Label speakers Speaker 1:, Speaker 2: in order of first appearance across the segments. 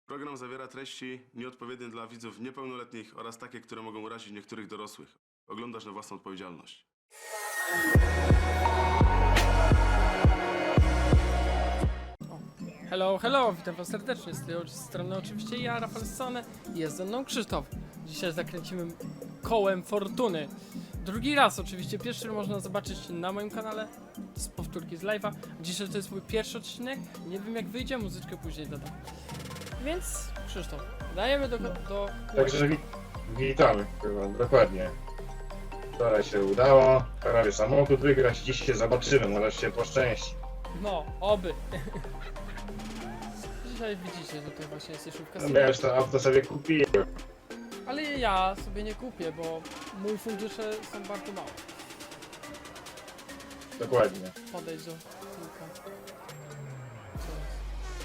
Speaker 1: Program zawiera treści nieodpowiednie dla widzów niepełnoletnich oraz takie, które mogą urazić niektórych dorosłych. Oglądasz na własną odpowiedzialność.
Speaker 2: Hello, witam was serdecznie, z tej strony oczywiście ja, Rafał Sone, jest ze mną Krzysztof. Dzisiaj zakręcimy kołem fortuny. Drugi raz oczywiście, pierwszy można zobaczyć na moim kanale, z powtórki z live'a. Dzisiaj to jest mój pierwszy odcinek, nie wiem jak wyjdzie, muzyczkę później dodam. Więc Krzysztof, dajemy do
Speaker 3: Także witamy, chyba, dokładnie. Wczoraj się udało, prawie samochód wygrać, dziś się zobaczymy, może się poszczęści.
Speaker 2: No, oby. Dzisiaj widzicie, że to właśnie jest jeszówka.
Speaker 3: No, ja już to auto sobie kupiłem.
Speaker 2: Ale ja sobie nie kupię, bo mój fundusze są bardzo małe.
Speaker 3: Dokładnie.
Speaker 2: Podejdź do kilka. Co jest?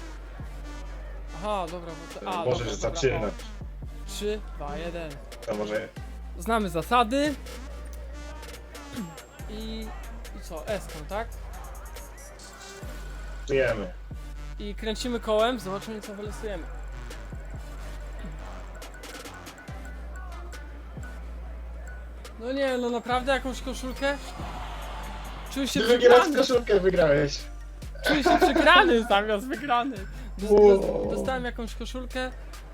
Speaker 2: Aha, dobra, bo to... A,
Speaker 3: Możesz
Speaker 2: dobra,
Speaker 3: zaczynać.
Speaker 2: 3, 2, 1.
Speaker 3: To może
Speaker 2: Znamy zasady. I co? S-ką, tak?
Speaker 3: żyjemy.
Speaker 2: I kręcimy kołem, zobaczymy co wylosujemy. No nie, no naprawdę jakąś koszulkę? Czuję się
Speaker 3: Drugi raz
Speaker 2: przegrany.
Speaker 3: koszulkę wygrałeś.
Speaker 2: Czuję się przegrany zamiast wygrany. Dostałem jakąś koszulkę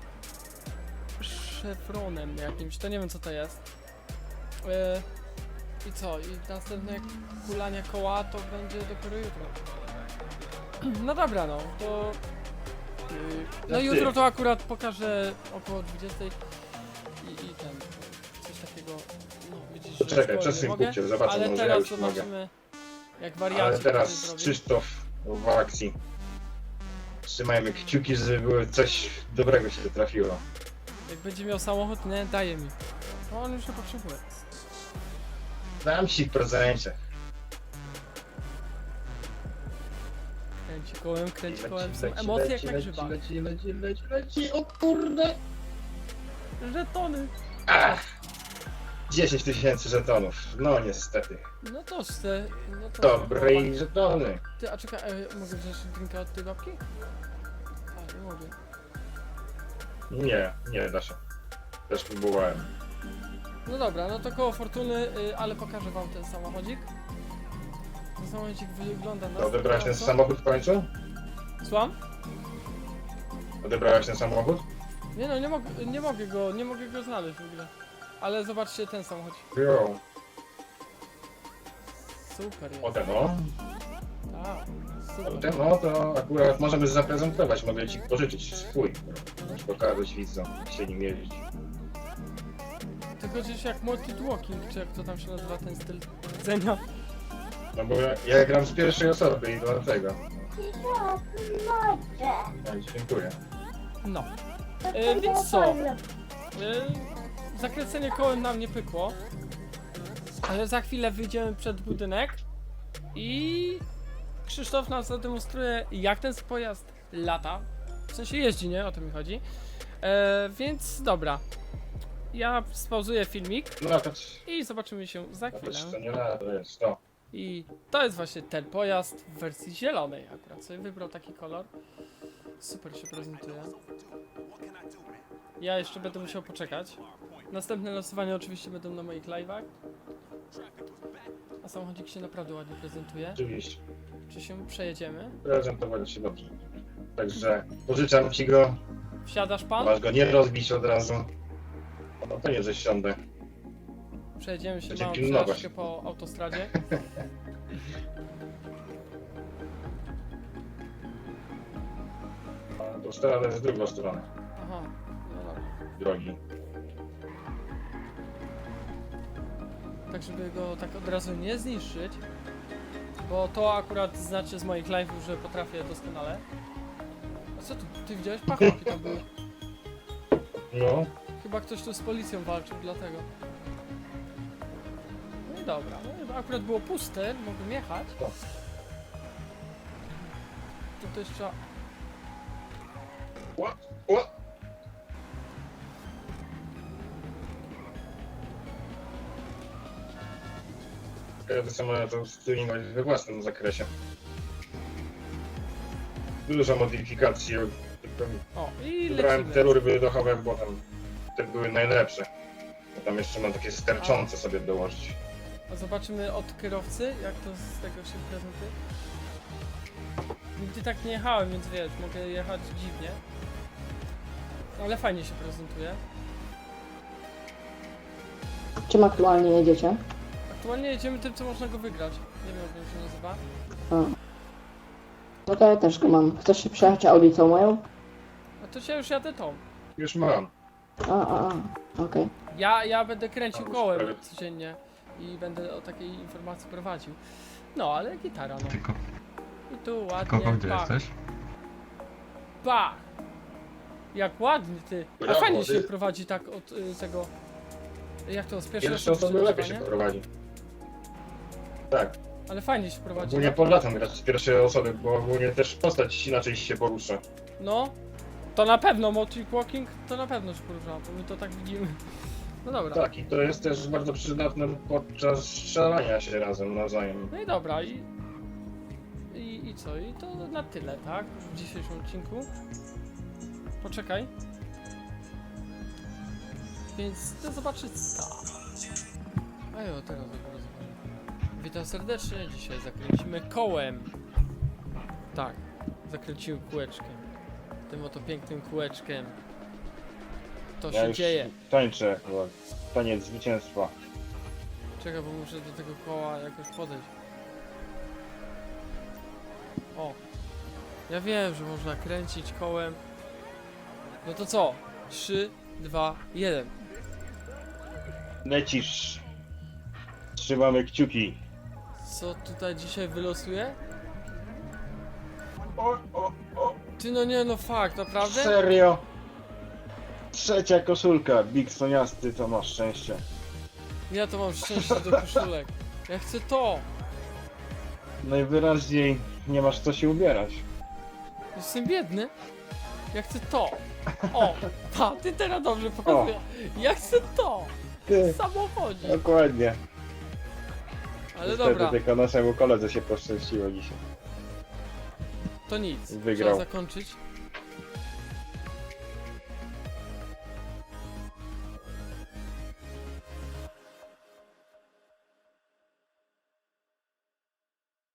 Speaker 2: szefronem jakimś, to nie wiem co to jest. I co? I następne kulanie koła to będzie dopiero jutro. No dobra, no to... No
Speaker 3: ty.
Speaker 2: jutro to akurat pokażę około 20 i ten... Coś takiego... No widzisz, że
Speaker 3: Poczekaj,
Speaker 2: spoiler
Speaker 3: przesuń
Speaker 2: nie mogę,
Speaker 3: kupcie, zobaczę,
Speaker 2: ale
Speaker 3: może ja
Speaker 2: teraz
Speaker 3: już mogę.
Speaker 2: zobaczymy jak wariaci
Speaker 3: Ale
Speaker 2: to
Speaker 3: teraz
Speaker 2: zrobią.
Speaker 3: Krzysztof w akcji. Trzymajmy kciuki, żeby było coś dobrego się trafiło.
Speaker 2: Jak będzie miał samochód, nie, daje mi. No on już nie potrzebuje.
Speaker 3: Dam ci w prezencie.
Speaker 2: Kręci kołem, są emocje jak na grzybach.
Speaker 3: Leci, o kurde!
Speaker 2: Żetony!
Speaker 3: Ach! 10 000 żetonów. No niestety.
Speaker 2: No to chcę, no to...
Speaker 3: Dobre i żetony.
Speaker 2: Ty, a czekaj, mogę wziąć drinka od tej babki? A, nie mogę.
Speaker 3: Nie da się. Też próbowałem.
Speaker 2: No dobra, no to koło fortuny, ale pokażę wam ten samochodzik. Ten samochodzik wygląda na...
Speaker 3: To odebrałeś ten
Speaker 2: następująco.
Speaker 3: samochód w końcu?
Speaker 2: Słucham?
Speaker 3: Odebrałeś ten samochód?
Speaker 2: Nie no, nie mogę go znaleźć w ogóle. Ale zobaczcie ten samochodzik.
Speaker 3: Jo.
Speaker 2: Super jest.
Speaker 3: Potem no.
Speaker 2: Tak, super.
Speaker 3: Potem no to akurat możemy zaprezentować. Mogę ci pożyczyć swój. Możesz pokazać widzom, jak się nim jeździć.
Speaker 2: Tylko gdzieś jak multi-walking, czy jak to tam się nazywa ten styl jedzenia.
Speaker 3: No bo ja gram z pierwszej osoby i dlatego. Dziękuję.
Speaker 2: No. Więc co? Zakręcenie kołem nam nie pykło. Ale za chwilę wyjdziemy przed budynek i Krzysztof nam zademonstruje, jak ten pojazd lata. W sensie jeździ, nie? O to mi chodzi. Więc dobra. Ja spauzuję filmik
Speaker 3: No to
Speaker 2: i zobaczymy się za chwilę.
Speaker 3: to nie lada, to jest to.
Speaker 2: I to jest właśnie ten pojazd w wersji zielonej. Akurat sobie wybrał taki kolor. Super się prezentuje. Ja jeszcze będę musiał poczekać. Następne losowania oczywiście będą na moich live'ach. A samochodzik się naprawdę ładnie prezentuje.
Speaker 3: Oczywiście.
Speaker 2: Czy się przejedziemy?
Speaker 3: Prezentować się dobrze. Także pożyczam ci go.
Speaker 2: Wsiadasz pan?
Speaker 3: Masz go nie rozbić od razu. No to nie, że siądę.
Speaker 2: Przejedziemy się
Speaker 3: Będzie
Speaker 2: małą
Speaker 3: pilnować.
Speaker 2: przejażdżkę po autostradzie.
Speaker 3: To strona jest w drugą stronę
Speaker 2: Aha, no dobra.
Speaker 3: drogi.
Speaker 2: Tak żeby go tak od razu nie zniszczyć. Bo to akurat znaczy z moich live'ów, że potrafię doskonale. A co tu? Ty widziałeś? Pachałki tam były.
Speaker 3: No,
Speaker 2: Chyba ktoś tu z policją walczył, dlatego. No i dobra, no i akurat było puste, mogłem jechać.
Speaker 3: O.
Speaker 2: To też trzeba...
Speaker 3: o. Każdy samolot to stuningować we własnym zakresie. Dużo modyfikacji
Speaker 2: O, i
Speaker 3: Wybrałem te
Speaker 2: lecimy.
Speaker 3: rury wydechowe, bo tam te były najlepsze. Ja tam jeszcze mam takie sterczące sobie dołożyć.
Speaker 2: A zobaczymy od kierowcy, jak to z tego się prezentuje. Nigdy tak nie jechałem, więc wiesz, mogę jechać dziwnie. Ale fajnie się prezentuje.
Speaker 4: Czym aktualnie jedziecie?
Speaker 2: Aktualnie jedziemy tym, co można go wygrać. Nie wiem, jak się nazywa.
Speaker 4: A. No to ja też go mam. Chcesz się przejechać Audicą moją?
Speaker 2: A to się już jadę tą.
Speaker 3: Już mam.
Speaker 4: Okej.
Speaker 2: Ja będę kręcił
Speaker 3: Albo
Speaker 2: kołem
Speaker 3: sprawy-
Speaker 2: codziennie i będę o takiej informacji prowadził. No, ale gitara, no.
Speaker 5: Tylko
Speaker 2: I tu ładnie,
Speaker 5: kogo gdzie
Speaker 2: pach,
Speaker 5: jesteś?
Speaker 2: pach. Jak ładnie, ty. A
Speaker 3: Brawo,
Speaker 2: fajnie
Speaker 3: ty.
Speaker 2: się prowadzi tak od tego... Jak to, z pierwszej
Speaker 3: Pierwsze
Speaker 2: osoby
Speaker 3: osoby lepiej się
Speaker 2: używanie?
Speaker 3: prowadzi. Tak,
Speaker 2: Ale fajnie się prowadzi.
Speaker 3: ogólnie polecam grać z pierwszej osoby, bo ogólnie też postać inaczej się porusza.
Speaker 2: No, to na pewno Motric Walking to na pewno się porusza, bo my to tak widzimy. No dobra.
Speaker 3: Tak, i to jest też bardzo przydatne podczas strzelania się razem nawzajem.
Speaker 2: No i dobra, i co? I to na tyle, tak? W dzisiejszym odcinku. Poczekaj. Więc do zobaczyć. A jo, teraz dopiero zobaczymy. Witam serdecznie, dzisiaj zakręcimy kołem. Tak, zakręcimy kółeczkiem. Tym oto pięknym kółeczkiem. To się dzieje.
Speaker 3: tańczę, chyba. Taniec zwycięstwa.
Speaker 2: Czekaj, bo muszę do tego koła jakoś podejść. O! Ja wiem, że można kręcić kołem. No to co? 3, 2, 1.
Speaker 3: Lecisz. Trzymamy kciuki.
Speaker 2: Co tutaj dzisiaj wylosuje?
Speaker 3: O,
Speaker 2: Ty no nie, no fakt, naprawdę?
Speaker 3: serio? Trzecia koszulka, Big Soniasty, to masz szczęście.
Speaker 2: Ja to mam szczęście do koszulek. Ja chcę to!
Speaker 3: Najwyraźniej nie masz co się ubierać.
Speaker 2: Jestem biedny. Ja chcę to! O! Pa, ty teraz dobrze pokazujesz. Ja chcę to!
Speaker 3: Ty,
Speaker 2: W samochodzie.
Speaker 3: dokładnie.
Speaker 2: Ale
Speaker 3: Niestety
Speaker 2: dobra,
Speaker 3: tylko naszemu koledze się poszczęściło dzisiaj.
Speaker 2: to nic.
Speaker 3: Wygrał.
Speaker 2: Trzeba zakończyć.